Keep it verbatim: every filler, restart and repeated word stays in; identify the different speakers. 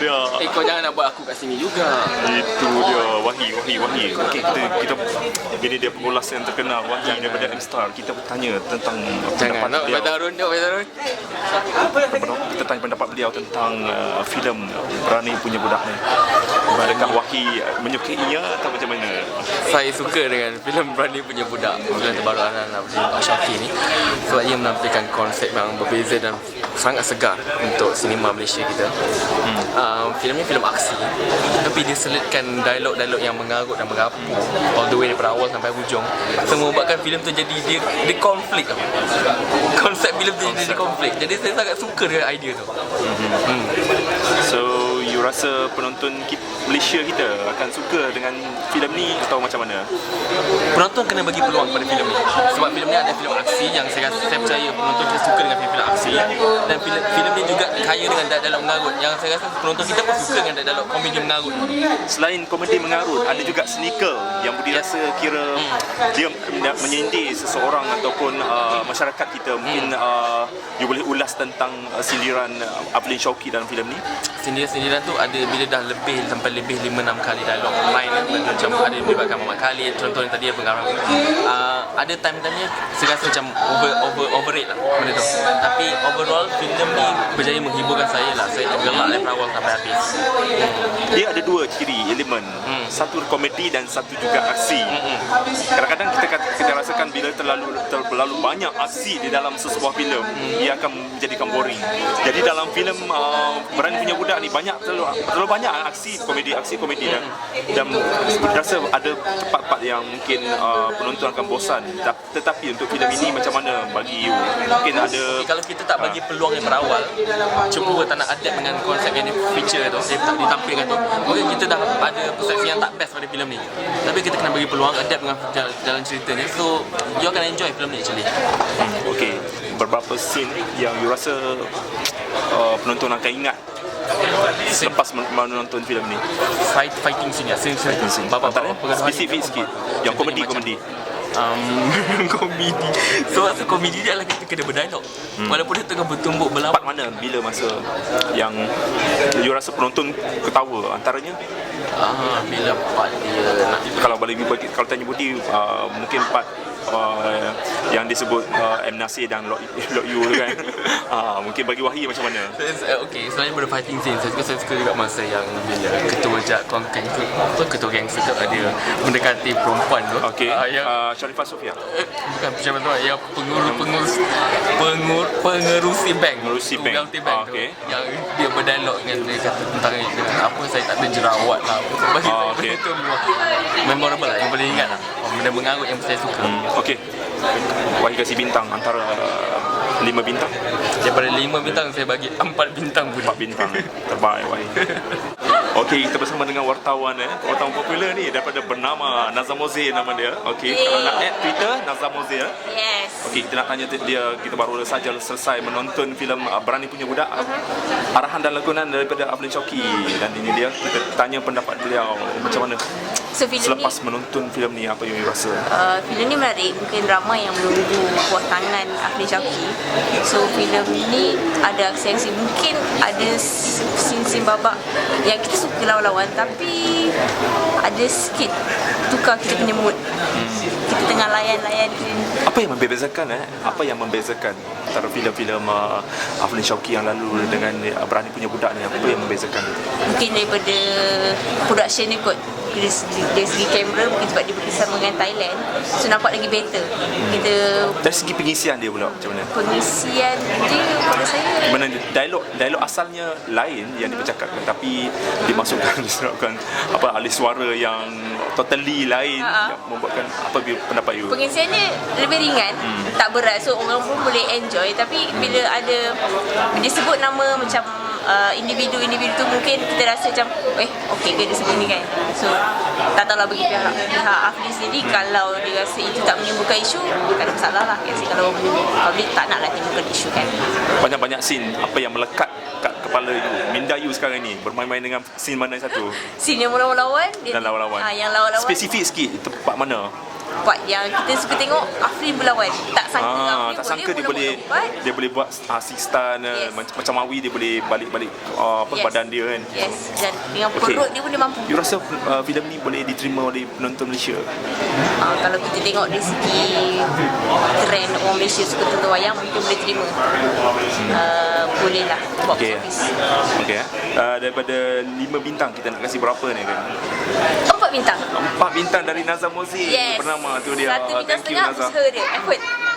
Speaker 1: dia.
Speaker 2: Eh, kau jangan nak buat aku kat sini juga.
Speaker 1: Itu dia, Wahyi, Wahyi, Wahyi. Okey, kita kita ini dia pengulas yang terkenal Wahyi daripada M-Star. Kita bertanya tentang
Speaker 2: Jangan nak
Speaker 1: beliau.
Speaker 2: Badarun dia, Badarun.
Speaker 1: Kita tanya pendapat beliau tentang uh, filem Berani Punya Budak ni. Adakah Wahyi menyukainya atau macam mana?
Speaker 2: Saya suka dengan filem Berani Punya Budak, filem terbaru Anan Abdul Syaki ni, sebab ia menampilkan konsep yang berbeza dan sangat segar untuk sinema Malaysia kita. Hmm. Uh, filem ni filem aksi, tapi dia selitkan dialog-dialog yang mengarut dan merapu all the way daripada awal sampai hujung. So membuatkan filem tu jadi dia, dia konflik. Konsep filem tu jadi konflik. Jadi saya sangat suka dengan idea tu.
Speaker 1: Hmm. So you rasa penonton kita, Malaysia kita akan suka dengan filem ni atau macam mana?
Speaker 2: Penonton kena bagi peluang pada filem ni, sebab filem ni ada filem aksi yang saya rasa, saya percaya penonton kita suka dengan filem aksi, dan filem filem ni juga kaya dengan dialog mengarut yang saya rasa penonton kita pun suka dengan dialog komedi mengarut.
Speaker 1: Selain komedi mengarut, ada juga cynical yang Budi rasa kira hmm. dia menyindir seseorang ataupun uh, masyarakat kita. Mungkin hmm. uh, you boleh ulas tentang uh, sindiran uh, Aflin Syauqi dalam filem ni.
Speaker 2: Sindiran-sindiran tu ada bila dah lebih sampai lebih lima enam kali dialog main, macam ada melibatkan Muhammad Khalid, contoh yang tadi pengarang. Uh, ada time-time-nya saya rasa macam over over overrate lah benda tu. Tapi overall filem ni berjaya menghiburkan saya lah. Saya tergelak dari awal sampai habis.
Speaker 1: Dia ada dua ciri elemen, hmm. satu komedi dan satu juga aksi. Hmm. Kadang-kadang kita kita rasakan bila terlalu terlalu banyak aksi di dalam sesebuah filem, hmm. ia akan menjadikan boring. Jadi dalam filem uh, Berani Punya Budak ni banyak terlalu, terlalu banyak aksi komedi aksi komedi dan dan saya rasa ada part-part yang mungkin uh, penonton akan bosan. Tetapi untuk filem ini macam mana bagi you? Mungkin ada
Speaker 2: okay, kalau kita tak bagi peluang yang berawal, cuba tak nak adapt dengan konsep yang feature tu, dia tak ditampilkan tu, mungkin kita dah ada persepsi yang tak best pada filem ni. Tapi kita kena bagi peluang adapt dengan jalan ceritanya, so you akan enjoy filem ni actually.
Speaker 1: Hmm, okay, beberapa scene yang you rasa uh, penonton akan ingat selepas menonton filem ni?
Speaker 2: Fight fighting scene ya, scene fighting scene.
Speaker 1: Bapak-bapak spesifik sikit. Yang komedi komedi.
Speaker 2: Um, komedi. So masa komedi dia adalah kita kena berdialog. Hmm. Walaupun dia tengah bertumbuk berlawan.
Speaker 1: Part mana bila masa yang you rasa penonton ketawa antaranya?
Speaker 2: Ah, bila part dia nak,
Speaker 1: kalau boleh bagi, kalau tanya Budi uh, mungkin part uh, yang disebut uh, M Nasir dan Lok, Lok Yu tu kan. uh, mungkin bagi Wahyi macam mana?
Speaker 2: Okay, selain daripada fighting scene, saya suka, saya suka juga masa yang bila ketua Jat Kongkeng tu, tu ketua gangster tu ada mendekati perempuan tu.
Speaker 1: Okay.
Speaker 2: Uh, yang
Speaker 1: uh, Sharifah Sofia.
Speaker 2: Eh, bukan macam tu, yang pengurus-pengurus pengur, pengerusi bank,
Speaker 1: pengerusi bank.
Speaker 2: Wealthy bank
Speaker 1: uh, okay.
Speaker 2: tu, yang dia berdialog dengan dia kata tentang dengan apa saya tak ada jerawat lah. Bagi
Speaker 1: uh,
Speaker 2: saya
Speaker 1: okay.
Speaker 2: itu memorable lah, yang boleh ingat lah. Benda mengarut yang saya suka.
Speaker 1: Hmm, okey. Wahyi kasih bintang antara uh, lima bintang.
Speaker 2: Daripada lima bintang saya bagi empat bintang pun.
Speaker 1: Empat bintang. Terbaik Wahyi. Okey, kita bersama dengan wartawan eh, wartawan popular ni daripada bernama Nazam Moze nama dia. Okey,
Speaker 3: yeah.
Speaker 1: Kalau nak add Twitter Nazam Moze ya.
Speaker 3: Yes.
Speaker 1: Okey, kita nak tanya dia, kita baru saja selesai menonton filem uh, Berani Punya Budak. Uh-huh. Arahan dan lakonan daripada Aflin Syauqi, dan ini dia kita tanya pendapat beliau macam mana.
Speaker 3: So,
Speaker 1: selepas
Speaker 3: ni,
Speaker 1: menonton filem ni apa yang you rasa?
Speaker 3: Uh, filem ni menarik, mungkin ramai yang menunggu buah tangan Aflin Syauqi. So filem ni ada aksi-aksi, mungkin ada scene-scene babak yang kita suka lawan-lawan, tapi ada sikit tukar kita punya mood. Hmm. Kita tengah layan-layan.
Speaker 1: Apa yang membezakan eh? Apa yang membezakan antara filem-filem uh, Aflin Syauqi yang lalu dengan uh, Berani Punya Budak ni? Apa yang membezakan?
Speaker 3: Mungkin daripada production ni kot. Dari segi, dari segi kamera, mungkin sebab dia bekerjasama dengan Thailand, so nampak lagi better. Kita
Speaker 1: dari segi pengisian dia pula macam mana?
Speaker 3: Pengisian dia pada saya,
Speaker 1: mana dialog dialog asalnya lain yang dipercakapkan, tapi dimasukkan disebabkan apa alih suara yang totally lain, uh-huh. yang membuatkan apa pendapat you?
Speaker 3: Pengisian dia lebih ringan, hmm. tak berat, so orang pun boleh enjoy. Tapi bila ada dia sebut nama macam uh, individu-individu tu, mungkin kita rasa macam eh okey ke dia sebut ni kan. So tak tahulah bagi pihak pihak Aflin sendiri, hmm. kalau dia rasa itu tak menimbulkan isu, tak ada masalah lah. Kasi kalau public tak nak lah timbulkan isu kan.
Speaker 1: Banyak-banyak scene apa yang melekat kat kepala you, minda you sekarang ni, bermain-main dengan scene mana satu?
Speaker 3: Scene yang lawan-lawan
Speaker 1: dan lawan-lawan.
Speaker 3: Ha, yang lawan-lawan
Speaker 1: spesifik sikit, tempat mana?
Speaker 3: part yang kita suka tengok Afrin berlawan. Tak sangka
Speaker 1: Ah,
Speaker 3: Afrin
Speaker 1: tak sangka dia
Speaker 3: boleh
Speaker 1: boleh
Speaker 3: melompat.
Speaker 1: dia boleh buat uh, six star
Speaker 3: Yes.
Speaker 1: macam, macam Mawi dia boleh balik-balik uh, apa
Speaker 3: Yes.
Speaker 1: badan dia kan.
Speaker 3: Yes, dan dengan
Speaker 1: Okey.
Speaker 3: perut dia pun dia mampu.
Speaker 1: You rasa uh, filem ni boleh diterima oleh penonton Malaysia?
Speaker 3: Uh, kalau kita tengok dari segi trend orang Malaysia suka tonton wayang, mungkin boleh terima. Uh, boleh lah box
Speaker 1: Okey.
Speaker 3: office.
Speaker 1: Okey. Uh, daripada lima bintang kita nak kasih berapa ni kan?
Speaker 3: Empat bintang.
Speaker 1: Empat bintang dari Nazar Mozik.
Speaker 3: Yes.
Speaker 1: Bernama tu dia.
Speaker 3: Satu bintang
Speaker 1: Thank you,
Speaker 3: setengah
Speaker 1: Nazar.
Speaker 3: usaha dia, effort.